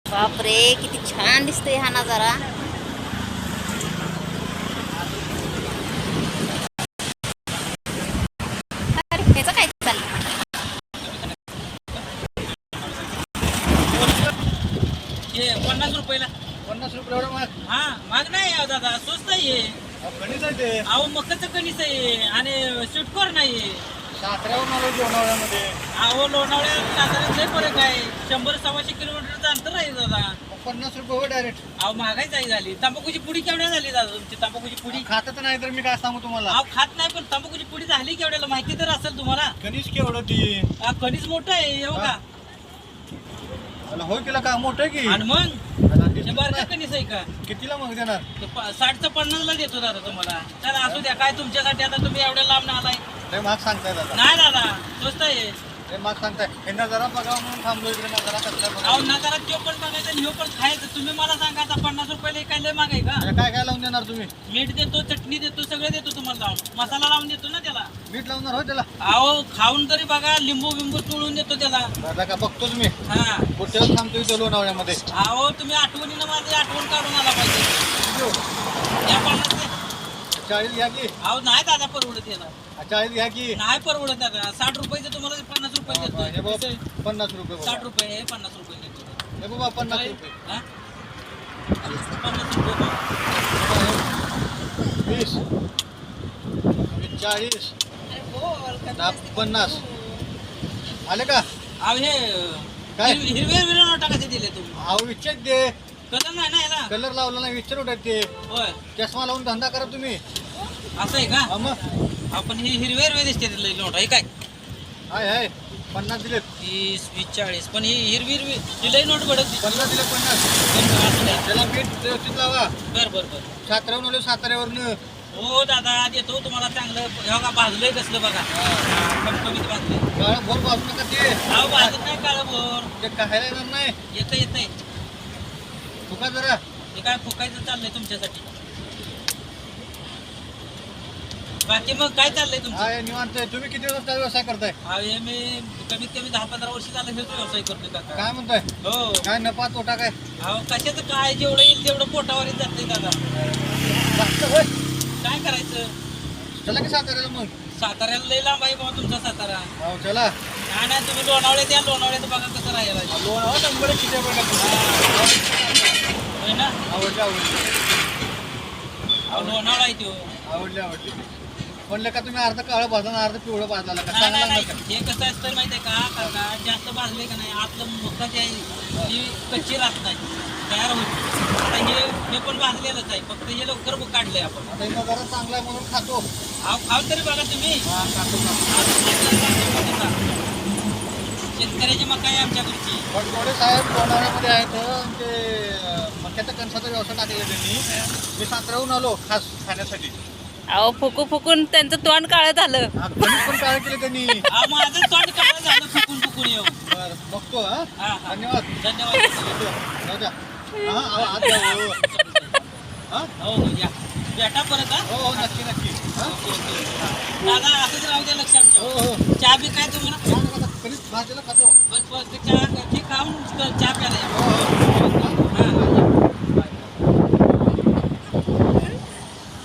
बापरे, किती छान दिसतोय हा नजारा. अरे ह्याचं काय चाललं? हे 50 रुपयाला. 50 रुपये एवढं महाग? हा महाग नाही आहे दादा, स्वस्त आहे. कणीच आहे ते. अहो मकाचं कणीस आहे आणि स्वीटकॉर्न नाही. साताऱ्याहून आलो लोणावळ्यामध्ये. अहो लोणावळ्यात साताऱ्यात लय फरक आहे. 100-125 किलोमीटरचं अंतर आहे दादा. 50 रुपये हो डायरेक्ट. अहो महागाईच आहे झाली. तंबाखूची पुडी केवढ्या झाली दादा तुमची? तंबाखूची पुडी खातच नाही तर मी काय सांगू तुम्हाला. अहो खात नाही, पण तंबाखूची पुडी झाली केवढ्याला माहिती तर असेल तुम्हाला. कणीस केवढं ती. कणीस मोठं आहे हो का? मला होय केला का मोठं की. आणि मग मला हे दिसत बारका नाही. कणीस आहे का? कितीला मग देणार? 60चं 50ला देतो दादा तुम्हाला. चला असू द्या, काय तुमच्यासाठी आता तुम्ही एवढ्या लांब आलाय. लय महाग सांगताय दादा. नाही दादा स्वस्त आहे. लय महाग सांगताय. यांना जरा बघावं म्हणून थांबलो इकडे. नजारा कसला अहो बघा. नकारात तो पण बघायचा आणि ह्यो पण खायचं. तुम्ही मला सांगा आता 50 रुपयाला काय लय महाग आहे का? काय काय लावून देणार तुम्ही? मीठ देतो, चटणी देतो, सगळं देतो तुम्हाला लावून. मसाला लावून देतो ना त्याला. मीठ लावणार हो त्याला? अहो खाऊन तरी बघा, लिंबू बिंबू चुळून देतो त्याला. दादा का बघतो तुम्ही. हा कुठे थांबतो इथं लोणावळ्यामध्ये. अहो तुम्ही आठवणीनं माझी आठवण काढून आला पाहिजे. या 50 40 घ्या की. अहो नाही दादा परवडत याला. 40 घ्या की. नाही परवडत दादा. 60 रुपयाचं तुम्हाला 50 रुपये हे देतो. बाबा 50 रुपये 60 रुपये हे 50 रुपये देतो. हे बाबा 50 रुपये. हा? 50 रुपये. 20 40 50 आले का? अहो हे काय? हिरवे हिरवे नोटा कसे दिले तुम्ही? अहो विचार दे. कलर नाही ना याला. कलर लावला नाही विचार उठत ते. होय चष्मा लावून धंदा करा तुम्ही. असं आहे का? हा मग आपण ही हिरवे हिरवे दिसते ते नोटा. हे काय? हाय हाय 50 दिलेत. 30, 20, 40. पण ही हिरवी हिरवी ही लई नोट बडत दिसते. 50 दिले 50. असं नाही. त्याला मीठ व्यवस्थित लावा. बर बर बर. साताऱ्याहून आलो साताऱ्यावरनं. हो दादा देतो तुम्हाला चांगलं. हे बघा भाजलंय कसलं बघा. कमीत भाजलंय. काळं भोर वाजू नका ते. अहो भाजत नाही काळं भोर. ते खायला येणार नाही. येतंय. फुका जरा. हे काय फुकायचं चाललंय तुमच्यासाठी. बाकी मग काय चाललंय तुमचं? हाय निवांत आहे. तुम्ही किती दिवस व्यवसाय करताय? हे मी कमीत कमी 10-15 वर्ष झालं हेच व्यवसाय करतोय काका. काय म्हणताय? हो काय नफा तोटा काय? अहो कशाचं काय, जेवढं येईल तेवढं पोटावर जातंय दादा. जास्त होय. काय करायचं? चला की साताऱ्याला मग. साताऱ्याला लई लांब आहे बाबा तुमचा सातारा. हो चला. नाही तुम्ही लोणावळ्यात या. लोणावळ्यात बघा कसं राहायला. लोणावळा नंबर किती आहे बघा. होय ना? आवडली अहो लोणावळा आहे तो. आवडली म्हणलं का तुम्ही अर्ध काळं भाजला अर्ध पिवळं भाजला का? नाही चांगला नाही लागणार नाही. हे कसं असतं माहिती आहे का काका, जास्त भाजले का नाही आतलं मुख्य जे आहे ती कच्ची राहत नाही, तयार होती. आता हे पण भाजलेलंच आहे, फक्त हे लवकर काढलंय आपण. का? आता इथं जरा चांगला आहे म्हणून खातो. अहो खाऊ तरी बघा तुम्ही. हा खातो. शेतकऱ्याची मका आहे आमच्याकडची. पण थोडे साहेब लोणावळ्यामध्ये आहेत ते मक्याचा कणसाचा व्यवसाय टाकलेला त्यांनी. मी साताऱ्याहून आलो खास खाण्यासाठी. अहो फुकून त्यांचं तोंड काळं झालं. हा, कणीस पण काय केले त्यांनी. माझं तोंड काळं झालं फुकून येऊ. बरं बघतो. हा हा हा धन्यवाद. धन्यवाद. येतो. जाऊ द्या. हा आज जाऊ. हा हो हो या भेटा परत. हा हो हो नक्की. हा ओके ओके. दादा असंच राहू द्या लक्षात हो ठेवा. हो. चहा बी काय तुम्हाला? छान आहे का? कणीस भाजीला खातो. बस ते चहा खाऊन चहा प्यायला. हो हो. हा